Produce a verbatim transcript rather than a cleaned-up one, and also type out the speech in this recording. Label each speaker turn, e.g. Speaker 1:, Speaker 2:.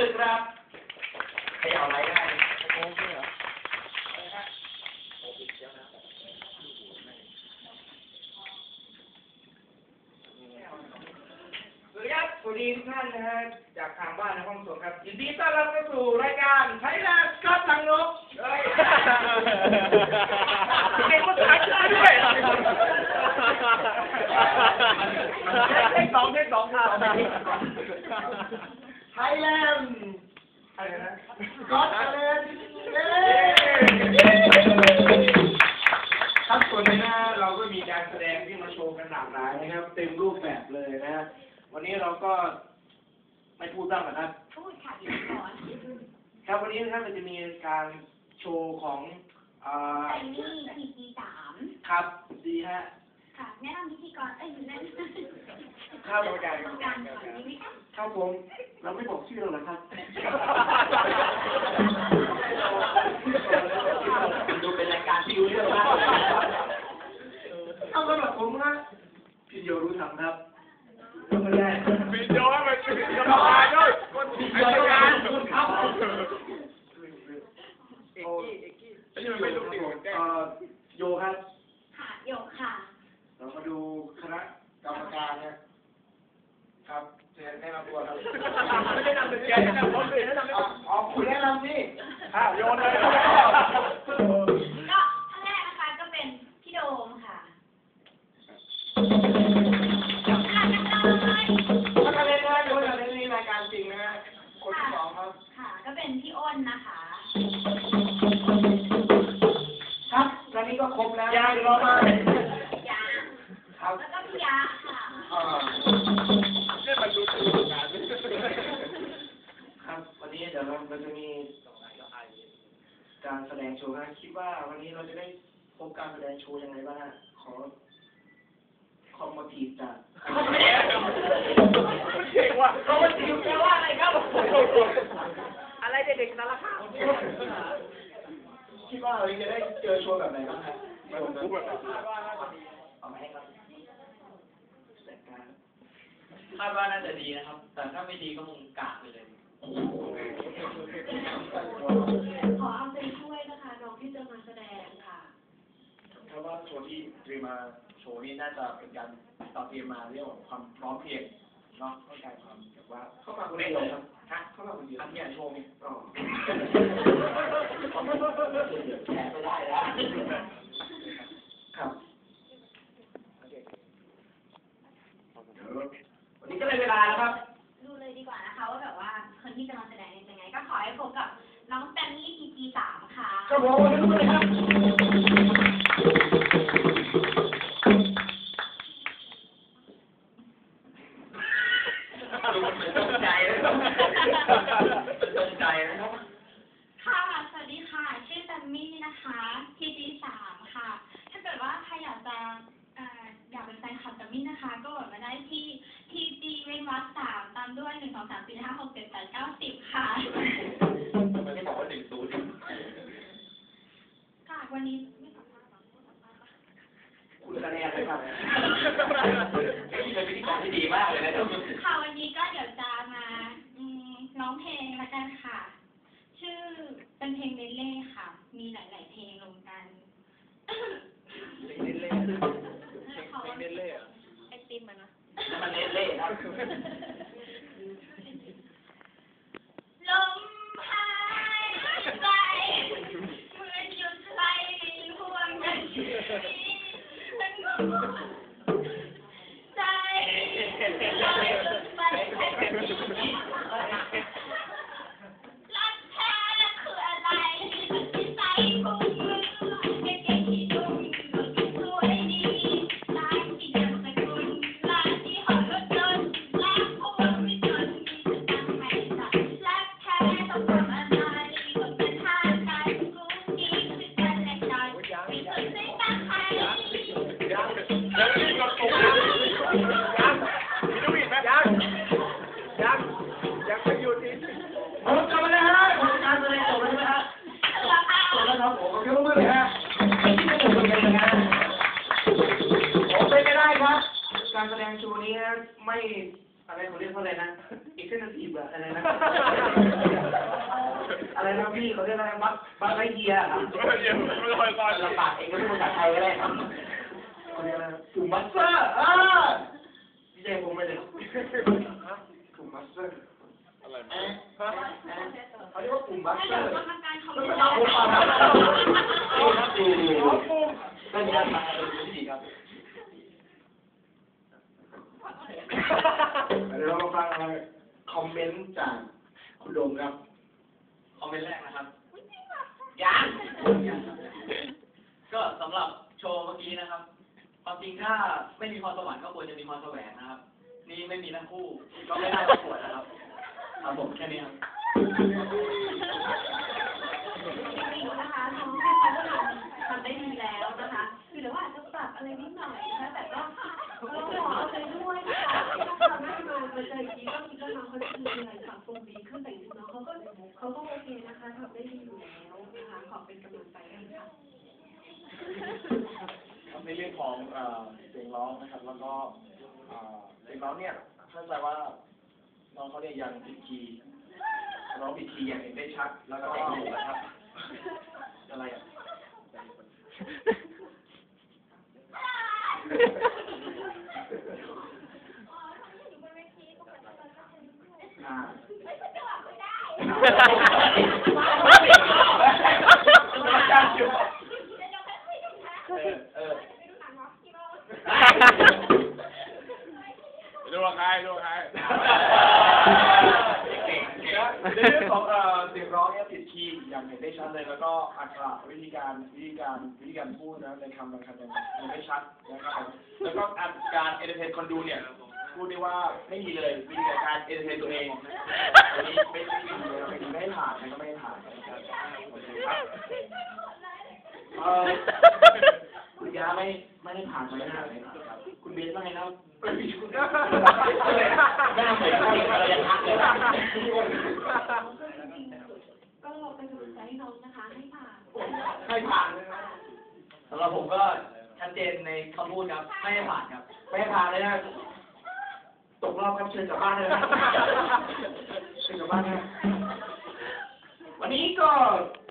Speaker 1: ครับใครเอาอะไรได้โอ้โหเหรอสวัสดีครับสวัสดีทุกท่านนะฮะจากทางบ้านในห้องส่งครับยินดีต้อนรับเข้าสู่รายการไทยแลนด์ก็ตังนกเฮ้ยเก่งภาษาอังกฤษด้วยเทคสองเทคสองค่ะไทยแลนด์อะไรนะก็ไทยแลนด์ครับส่วนนี้นะเราก็มีการแสดงที่มาโชว์กันหลากหลายนะครับเต็มรูปแบบเลยนะวันนี้เราก็ไม่พูดบ้างนะครับพูดค่ะอยู่ก่อนครับวันนี้นะครับเราจะมีการโชว์ของไซนี่พีจีสามครับดีฮะค่ะแนะนำพิธีกรเอ้ยแนะนำข้าวบริการการก่อนนี้ไหมคะครับผมเราไม่บอกชื่อเราหรอครับดูเป็นรายการที่รู้เรื่องมากเอาสำหรับผมนะพี่โยรู้ทำครับไม่ได้วิดีโอมันวิดีโอมาด้วยวิดีโอมาคุณครับเอกกี้เอกกี้ไอ้ยังไม่รู้ดิเอ่อโยครับค่ะโยค่ะเรามาดูคณะกรรมการนะครับเชิญแนะนำตัวครับไม่ได้นำเป็นแกแนะนำคนอื่นแนะนำอ๋อคุณแนะนำนี่อ้าวโยนเลยก็ท่านแรกนะคะก็เป็นพี่โดมค่ะถ้าทะเลนะโยนทะเลนี่รายการจริงนะฮะคนที่สองครับค่ะก็เป็นพี่อ้นนะคะครับตอนนี้ก็ครบแล้วยาอยู่รอมายาครับแล้วก็พี่ยาค่ะอ่าเนี่ยมันดูถูกกันครับวันนี้เดี๋ยวเราจะมีการแสดงโชว์นะคิดว่าวันนี้เราจะได้พบการแสดงโชว์ยังไงบ้างฮะขอคอมมาทีฟจากเก่งว่ะคอมมาทีฟแปลว่าอะไรครับอะไรเด็กๆนั่นละค่ะคิดว่าเราจะได้เจอโชว์แบบไหนบ้างครับไม่ผมรู้แบบเอาไหมครับคาดว่าน่าจะดีนะครับแต่ถ้าไม่ดีก็คงกากไปเลย
Speaker 2: ขอเอาใจช่วยนะคะน้องที่จะมาแสดงค่ะ
Speaker 1: ถ้าว่าโชว์ที่เตรียมมาโชว์นี้น่าจะเป็นการต่อเตรียมมาเรื่องของความพร้อมเพรียงเนาะเข้าใจความแบบว่าเข้ามาคนเดียวครับฮะเข้ามาคนเดียวอันนี้โชว์นี่อ๋อแชร์ไม่ได้แล้วครับวันนี้ก็เลยเวลาแล้วครับ
Speaker 2: ดูเลยดีกว่านะคะว่าแบบว่าคนที่จะมาแสดงเป็นยังไงก็ขอให้พบกับน้องแตนนี่พีจีสามค่ะ
Speaker 1: ครับผมวันนี้ดูเลยครับตกใจเลยตกใจนะครับ
Speaker 2: ค่ะสวัสดีค่ะชื่อแตนนี่นะคะพีจีสามค่ะถ้าเกิดว่าใครอยากจะอยากเป็นแฟนคลับแตนนี่นะคะก็กดมาได้ที่ทีจีเว้นวรรคสามตามด้วยหนึ่งสองสามสี่ห้าหกเจ็ดแปดเก้าสิบค่ะ
Speaker 1: ไม่ได้บอกว่าหนึ่งศูนย์
Speaker 2: ค่ะวันนี้
Speaker 1: คุณคะแนนเลยครับนี่เป็นพิธีกรที่ดีมากเลยนะครับ
Speaker 2: ค่ะวันนี้ก็เดี๋ยวจะมาร้องเพลงละกันค่ะชื่อเป็นเพลงเล่เล่ค่ะมีหลายๆเพลงรวมกัน
Speaker 1: เพลงเล่เล่เพลงเล่เล่อะ
Speaker 2: ไอติมมันนะ
Speaker 1: มันเล่เล่ครับ
Speaker 2: ลมหายใจเหมือนหยุดไหลในห่วงนาทีใจไปแค่นี้รักแท้คืออะไรที่ใจพุ่งมือเก่งที่ดุมสวยดีร้านที่เดินสกุลร้านที่หอรถยนต์ร้านผู้
Speaker 1: เอ็กเซนทีฟอะอะไรนะอะไรนะพี่เขาเรียกอะไรบัคบัคไลเยียครับ
Speaker 3: เดี๋ยวไม่ลอยตอน
Speaker 1: ลำบากเองก็พูดภาษาไทยก็ได้ครับเขาเรียกอะไรกลุ่มมัสเตอร์อ่าพี่เจผมไม่ได้กลุ่มมัสเตอร์
Speaker 3: อะไร
Speaker 1: เอ๊ะเขาเรียกว่ากลุ่มมัส
Speaker 2: ให้
Speaker 1: เตอ
Speaker 2: เรา
Speaker 1: ร์
Speaker 2: กำลังการคอม
Speaker 1: แล้
Speaker 2: เม
Speaker 1: วน ก็
Speaker 2: ต์
Speaker 1: ตามผมมาครับดูดูเป็นยังไงดีครับเดี๋ยวเรามาฟังคอมเมนต์จากคุณโดมครับ
Speaker 4: คอมเมนต์แรกนะครับ
Speaker 1: ยัง
Speaker 4: ก็สำหรับโชว์เมื่อกี้นะครับ ความจริงถ้าไม่มีพรสวรรค์ก็ควรจะมีพรแสวงนะครับ นี่ไม่มีทั้งคู่ก็ไม่ได้ประกวดนะครับครับผมแค่นี้ครับ
Speaker 2: จริงๆนะคะน้องแค่เขาก็ทำทำได้ดีแล้วนะคะคือเดี๋ยวอาจจะปรับอะไรนิดหน่อยนะคะแต่ก็ก็ขอเอาใจด้วยนะคะทำให้มามาเจออีกทีก็คิดว่าน้องเขาจะมีอะไรปรับปรุงดีขึ้นแต่จริงๆน้องเขาก็เขาก็โอเคนะคะทำได้ดีอยู่แล้วนะคะขอเป็นกำลังใจให้ค่ะ
Speaker 3: ในเรื่องของเอ่อเสียงร้องนะครับ แล้วก็เอ่อเสียงร้องเนี่ยเข้าใจว่าน้องเขาเนี่ยยังผิดคีย์ร้องผิดคีย์อย่างเห็นได้ชัด แล้วก็นะครับอะไรอ่ะอ่าเออเออดูใครดูใครในเรื่องของเอ่อเสียงร้องเนี่ยผิดคีย์อย่างเห็นได้ชัดเลย แล้วก็อัตราวิธีการวิธีการวิธีการพูดนะในคำบางคำเนี่ยมันไม่ชัดนะครับแล้วก็การเอนเตอร์เทนคนดูเนี่ยพูดได้ว่าไม่มีเลยวิธีการเอนเตอร์เทนตัวเองอันนี้ไม่ไม่ดีเลยไม่ดีไม่ให้ผ่านนะก็ไม่ให้ผ่านนะครับเอ่อคุณยาไม่ไม่ได้ผ่านไม่ได้ผ่านเลยครับคุณเบสว่าไงนะไม่มีคุณหน้าเหมือนอะไรยังทักเลยนะ
Speaker 2: ก็เป็นกำลังใจให้น้องนะคะให้ผ่าน
Speaker 1: ให้ผ่านเลยนะ
Speaker 4: สำหรับผมก็ชัดเจนในคำพูดครับ ไม่ให้ผ่านครับ
Speaker 1: ไม่ให้ผ่านเลยนะตกรอบครับเชิญกลับบ้านเลยนะเชิญกลับบ้านนะวันนี้ก็